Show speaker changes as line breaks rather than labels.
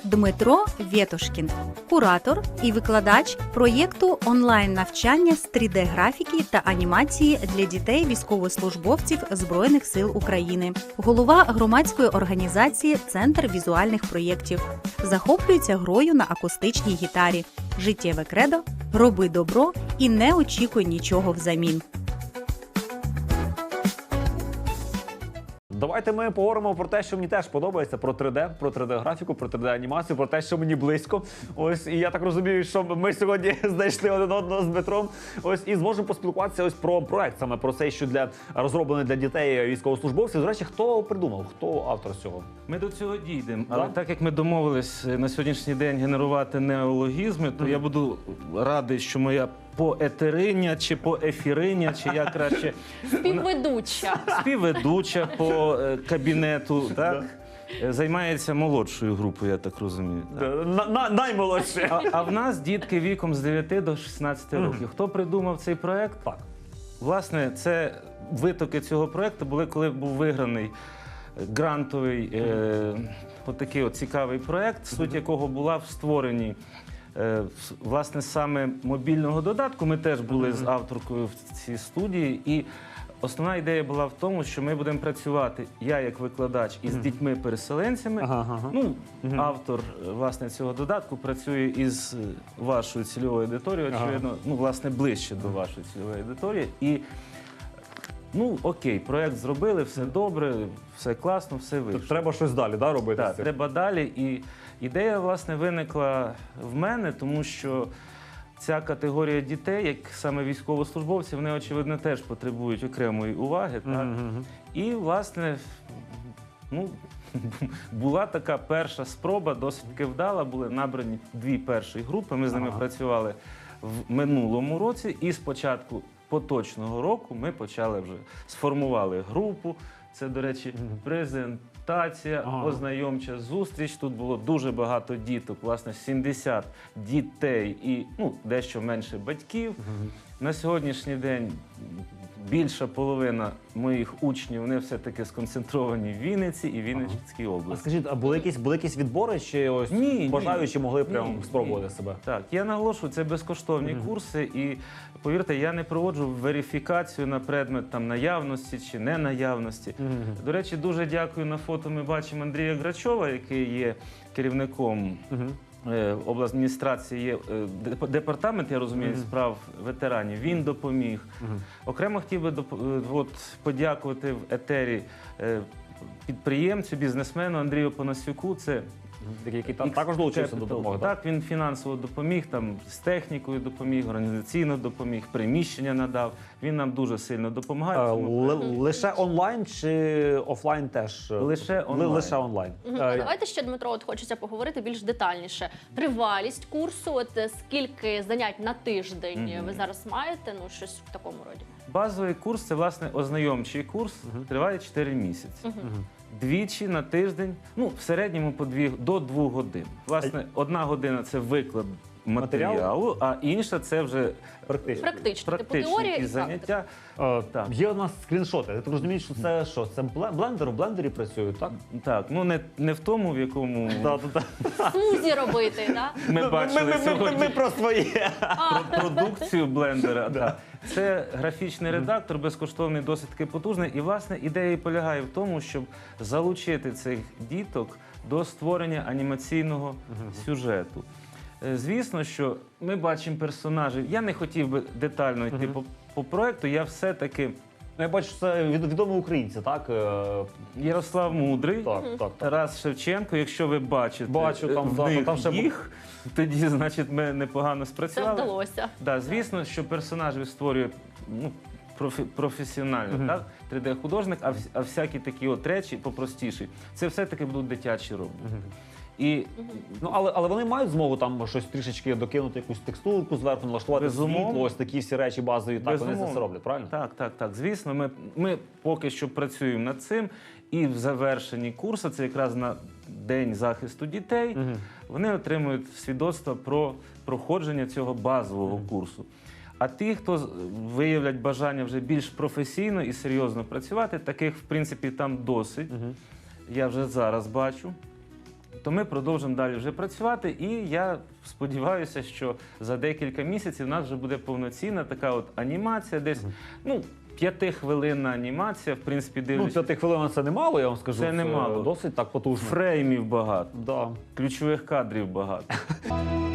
Дмитро Вєтушкін, куратор і викладач проєкту онлайн-навчання з 3D-графіки та анімації для дітей військовослужбовців Збройних сил України, голова громадської організації «Центр візуальних проєктів». Захоплюється грою на акустичній гітарі. Життєве кредо – роби добро і не очікуй нічого взамін.
Давайте ми поговоримо про те, що мені теж подобається, про 3D, про 3D-графіку, про 3D-анімацію, про те, що мені близько. Ось, і я так розумію, що ми сьогодні знайшли один одного з Дмитром. Ось, і зможемо поспілкуватися ось про проект, саме про цей, що розроблений для дітей військовослужбовців. До речі, хто придумав, хто автор цього?
Ми до цього дійдемо, але так як ми домовились на сьогоднішній день генерувати неологізми, то я буду радий, що моя поетериня чи поефіриня, чи я краще співведуча по кабінету, так? Займається молодшою групою, я так розумію.
Наймолодше.
А в нас дітки віком з 9 до 16 років. Хто придумав цей проект?
Так.
Власне, це витоки цього проекту були, коли був виграний грантовий отакий от цікавий проект, суть якого була в створенні власне саме мобільного додатку. Ми теж були з авторкою в цій студії, і основна ідея була в тому, що ми будемо працювати, я як викладач, із дітьми-переселенцями. Автор власне цього додатку працює із вашою цільовою аудиторією, очевидно, власне, ближче до вашої цільової аудиторії. І окей, проєкт зробили, все добре, все класно, все вийшло.
Треба щось далі, робити?
Так, треба далі. І ідея, власне, виникла в мене, тому що ця категорія дітей, як саме військовослужбовці, вони, очевидно, теж потребують окремої уваги. Так? І, власне, була така перша спроба, досить таки вдала, були набрані 2 перші групи, ми з ними працювали в минулому році, і спочатку поточного року ми почали вже, сформували групу. Це, до речі, презентація, ознайомча зустріч. Тут було дуже багато діток, власне, 70 дітей і дещо менше батьків. На сьогоднішній день більша половина моїх учнів, вони все-таки сконцентровані в Вінниці і Вінницькій області.
А скажіть, а були якісь відбори, чи ось бажаючі могли прямо спробувати себе?
Так, я наголошую, це безкоштовні курси, і повірте, я не проводжу верифікацію на предмет наявності чи ненаявності. До речі, дуже дякую, на фото ми бачимо Андрія Грачова, який є керівником обладміністрації, є департамент, я розумію, справ ветеранів. Він допоміг. Окремо хотів би подякувати в етері підприємцю, бізнесмену Андрію Панасюку. Це
який також долучився до допомоги.
Так, він фінансово допоміг, з технікою допоміг, організаційно допоміг, приміщення надав. Він нам дуже сильно допомагає.
Лише онлайн чи офлайн теж?
Лише онлайн.
Лише онлайн.
Давайте ще, Дмитро, хочеться поговорити більш детальніше. Тривалість курсу, скільки занять на тиждень ви зараз маєте? Щось в такому роді.
Базовий курс – це, власне, ознайомчий курс, триває 4 місяці. Двічі на тиждень, в середньому до 2 годин. Власне, 1 година – це виклад матеріалу, а інша – це вже практичні заняття.
Є у нас скріншоти. Ти розумієш, що це що? Це блендер, у блендері працюють, так?
Так, не в тому, в якому
смузі робити, так?
Ми бачили сьогодні.
Ми про своє.
Продукцію блендера. Це графічний редактор, безкоштовний, досить таки потужний. І, власне, ідея полягає в тому, щоб залучити цих діток до створення анімаційного сюжету. Звісно, що ми бачимо персонажів. Я не хотів би детально йти по проєкту, я все-таки...
Я бачу, що це відомі українці, так?
Ярослав Мудрий,
так.
Тарас Шевченко. Якщо ви бачите
там
їх, тоді, значить, ми непогано спрацювали.
Це вдалося.
Так, звісно, що персонажів створює професіонально, так? 3D-художник, а всякі такі речі попростіші. Це все-таки будуть дитячі роботи.
Але вони мають змогу там щось трішечки докинути, якусь текстурку зверху, налаштувати світло, ось такі всі речі базові, так вони це роблять, правильно?
Так. Звісно, ми поки що працюємо над цим, і в завершенні курсу, це якраз на День захисту дітей, вони отримують свідоцтво про проходження цього базового курсу. А ті, хто виявлять бажання вже більш професійно і серйозно працювати, таких, в принципі, там досить. Я вже зараз бачу. то ми продовжимо далі вже працювати. І я сподіваюся, що за декілька місяців у нас вже буде повноцінна така от анімація, десь 5-хвилинна анімація, в принципі,
Ну,
дивлячись.
5 хвилин це немало, я вам скажу.
Це немало.
Досить так потужно.
Фреймів багато,
Да.
ключових кадрів багато.